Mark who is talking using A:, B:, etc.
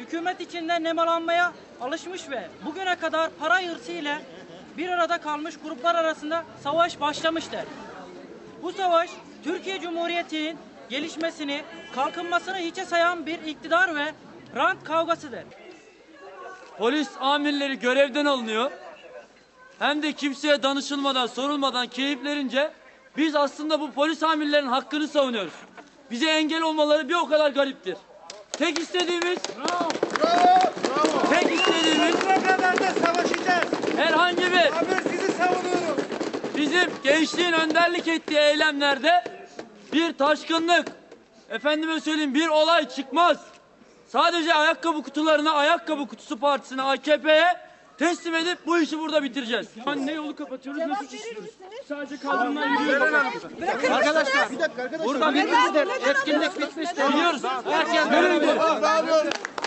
A: hükümet içinde nemalanmaya alışmış ve bugüne kadar para hırsı ile bir arada kalmış gruplar arasında savaş başlamıştır. Bu savaş Türkiye Cumhuriyeti'nin gelişmesini, kalkınmasını hiçe sayan bir iktidar ve rant kavgasıdır.
B: Polis amirleri görevden alınıyor. Hem de kimseye danışılmadan, sorulmadan keyiflerince biz aslında bu polis amirlerin hakkını savunuyoruz. Bize engel olmaları bir o kadar gariptir. Tek istediğimiz tek istediğimiz
C: Ne kadar da savaşacağız.
B: herhangi bir
C: Ben sizi savunuyorum.
B: bizim gençliğin önderlik ettiği eylemlerde bir taşkınlık, efendime söyleyeyim bir olay çıkmaz. Sadece ayakkabı kutularına, ayakkabı kutusu partisine, AKP'ye teslim edip bu işi burada bitireceğiz.
D: Ne yolu kapatıyoruz ne suç işliyoruz. Sadece kaldırımdan yürüyoruz.
C: Arkadaşlar. Bir dakika arkadaşlar.
B: Burada bitmiştir. Etkinlik bitmiştir. Biliyoruz. Herkes böyle.